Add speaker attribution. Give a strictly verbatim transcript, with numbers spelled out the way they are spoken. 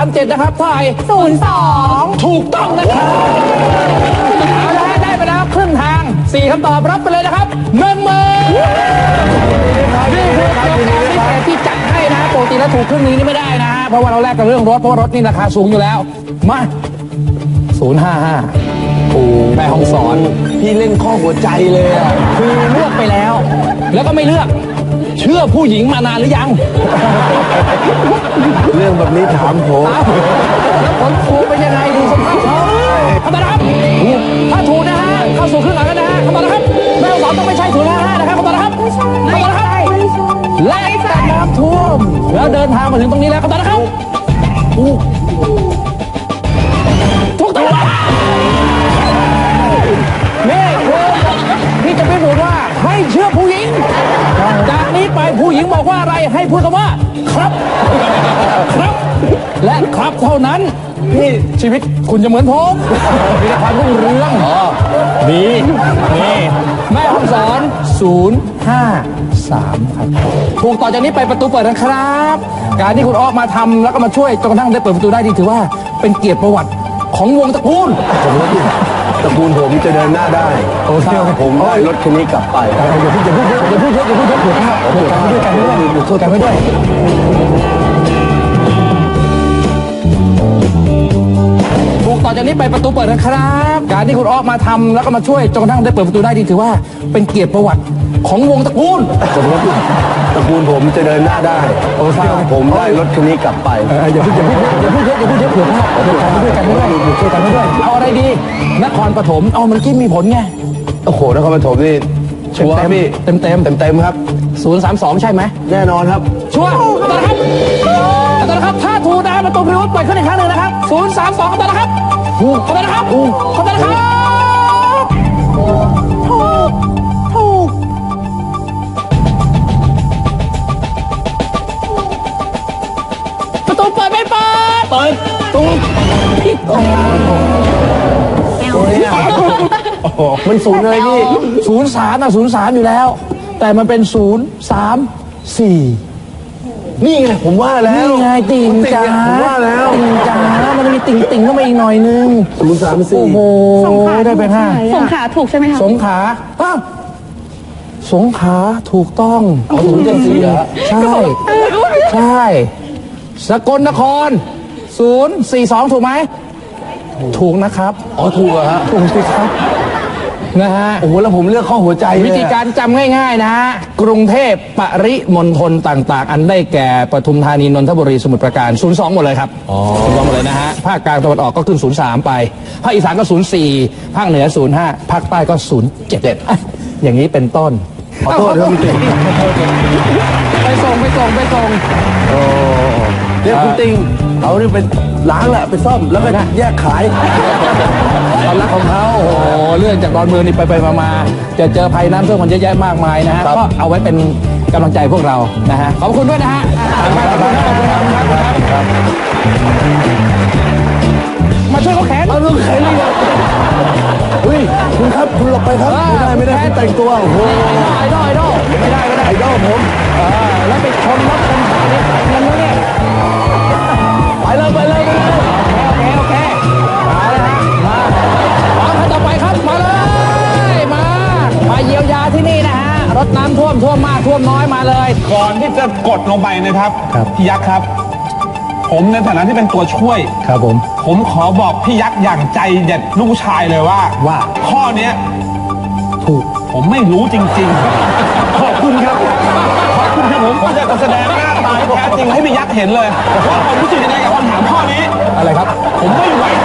Speaker 1: ามเจ็ดนะครับเท่าไหร่
Speaker 2: ศูนย์สอง
Speaker 1: ถูกต้องนะครับเอาละได้ไปแล้วครึ่งทางสี่คำตอบรับไปเลยนะครับหนึ่งหมื่นนี่คือโครงการพิเศษที่จัดให้นะปกติแล้วถูกครึ่งนี้นี่ไม่ได้นะฮะเพราะว่าเราแลกกับเรื่องรถเพราะว่ารถนี่ราคาสูงอยู่แล้วมาศูนย์ห้าห้าโอ้แม่ห้องสอน
Speaker 3: พี่เล่นข้อหัวใจเลยอ่ะ
Speaker 1: คือเลือกไปแล้วแล้วก็ไม่เลือกเชื่อผู้หญิงมานานหรือยัง
Speaker 3: เรื่องแบบนี้ถามผม
Speaker 1: แล้วผลถูกเป็นยังไงดูสภาพเขาคำตอบนะครับถ้าถูกนะฮะเข้าสู่ครึ่งหลังแล้วนะฮะคำตอบนะครับแม่ห้องสอนต้องไม่ใช่ศูนย์ห้าห้านะครับคำตอบนะครับคำตอบนะครับไล่แต่น้ำท่วมแล้วเดินทางมาถึงตรงนี้แล้วคำตอบนะครับถูกต้องนี่คือพี่จะไม่บอกว่าให้เชื่อผู้หญิงจากนี้ไปผู้หญิงบอกว่าอะไรให้พูดคำว่าครับครับและครับเท่านั้นนี่ชีวิตคุณจะเหมือนผมมีแต่ความรุ่งเรืองนี่นี่แม่ห้องสอนศูนย์ห้าสามครับถูกต่อจากนี้ไปประตูเปิดนะครับการที่คุณออกมาทำแล้วก็มาช่วยจนกระทั่งได้เปิดประตูได้ดีถือว่าเป็นเกียรติประวัติของวงตระกูล
Speaker 3: ตระกูลผมจะเดินหน้าได้โอ้ใช่ผมได้รถคันนี้กลับไป
Speaker 1: อย่าพูดอย่าพูดอย่าพูดเยอะอย่าพูดเยอะอย่าพูดเยอะเผื่อกันด้วยกันด้วยช่วยกันด้วยถูกต่อจากนี้ไปประตูเปิดนะครับการที่คุณออกมาทำแล้วก็มาช่วยจนกระทั่งได้เปิดประตูได้ดีถือว่าเป็นเกียรติประวัติของวงตระกูล
Speaker 3: ตระกูลผมจะเดินหน้าได้โอ้ใช่ผมได้รถคันนี้กลับไป
Speaker 1: อย่าพูดอย่าพูดอย่าพูดเยอะอย่าพูดเยอะเผื่อกันด้วยกันด้วยช่วยกันด้วยเอาอะไรดีนครปฐมเอามันกี้มีผลไง
Speaker 3: โอ้โหนครปฐมนี่ชัวร์พี่
Speaker 1: เต็มเต็ม
Speaker 3: เต็มเต็มครับ
Speaker 1: ศูนย์สามสองใช่ไหม
Speaker 3: แน่นอนครับ
Speaker 1: ชัวร์ตอนนะครับตอนนะครับถ้าถูกนะประตูพิรุธเปิดขึ้นอีกครั้งหนึ่งนะครับศูนย์สามสองตอนนะครับถูกตอนนะครับถูกตอนนะครับถูกถูกประตูเปิดไม่เปิด
Speaker 3: เปิดถูก
Speaker 1: พี่โอ้
Speaker 3: โหมันศูนย์เลยพี่
Speaker 1: ศูนย์สามนะศูนย์สามอยู่แล้วแต่มันเป็นศูนย์สามสี่
Speaker 3: นี่ไงผมว่าแล้ว
Speaker 1: นี่ไงติ่งจ๋า
Speaker 3: ผมว่าแล้ว
Speaker 1: ติ่งจ๋ามันมีติ่งติ่งเข้ามาอีกหน่อยนึง
Speaker 3: ศูนย์สามสี่
Speaker 1: โอ้โหได้ไปห้า
Speaker 2: สงขาถูกใช่ไหมคะ
Speaker 1: สงขาอ้าวสงขาถูกต้อง
Speaker 3: อ๋อศูนย์เจ็ดสี่เหรอ
Speaker 1: ใช่ใช่สกลนครศูนย์สี่สองถูกไหมถูกนะครับ
Speaker 3: อ๋อถูกเหรอฮะ
Speaker 1: ถูกสิครับนะฮะ
Speaker 3: โอ้โหแล้วผมเลือกข้อหัวใจ
Speaker 1: วิธีการจำง่ายๆนะฮะกรุงเทพปริมณฑลต่างๆอันได้แก่ปทุมธานีนนทบุรีสมุทรปราการศูนย์สองหมดเลยครับศูนย์สองหมดเลยนะฮะภาคกลางตะวันออกก็ขึ้นศูนย์สามไปภาคอีสานก็ศูนย์สี่ภาคเหนือศูนย์ห้าภาคใต้ก็ศูนย์เจ็ดอย่างนี้เป็นต้น
Speaker 3: ขอโทษครับพี่ติ๊ง
Speaker 1: ไปส่งไปส่งไปส่ง
Speaker 3: โอ้เนี่ยคุณติ๊งเอานี่เป็นล้างแหละไปซ่อมแล้วก็แยกขาย
Speaker 1: ความรักของเขาโอ้โหเลื่อนจากดอนเมืองนี่ไปไปมาจะเจอภัยน้ำท่วมมันเยอะแยะมากมายนะฮะก็เอาไว้เป็นกำลังใจพวกเรานะฮะขอบคุณด้วยนะฮะมาช่วยเขาแขน
Speaker 3: มาช่วยแขนเลยเฮ้ยคุณครับคุณหลบไปครับไม่ได้ไม่ได้คุณแต่งตัวโอ้โห
Speaker 1: ไอดอลไอดอลไม่ได้ไม่ได้
Speaker 3: ไอดอลผม
Speaker 1: แล้วไปชนรถชนขาเนี่ยเงินแล้วเนี่ย
Speaker 3: ไปเลยไปเลยไปเลย
Speaker 1: โอเคโอเคมาเลยฮะมาพร้อมขั้นต่อไปครับมาเลยมามาเยียวยาที่นี่นะฮะรถน้ำท่วมท่วมมากท่วมน้อยมาเลย
Speaker 4: ก่อนที่จะกดลงไปนะครับพี่ยักษ์ครับผมในฐานะที่เป็นตัวช่วย
Speaker 1: ครับผม
Speaker 4: ผมขอบอกพี่ยักษ์อย่างใจเด็ดลูกชายเลยว่า
Speaker 1: ว่า
Speaker 4: ข้อนี้
Speaker 1: ถูก
Speaker 4: ผมไม่รู้จริงๆขอบคุณครับขอบคุณครับผมผมอยากจะแสดงหน้าตาแท้จริงให้พี่ยักษ์เห็นเลยว่าผมรู้สึกยังไงกับคำถามข้อนี้
Speaker 1: อะไรครับ
Speaker 4: ผมไม่ไหว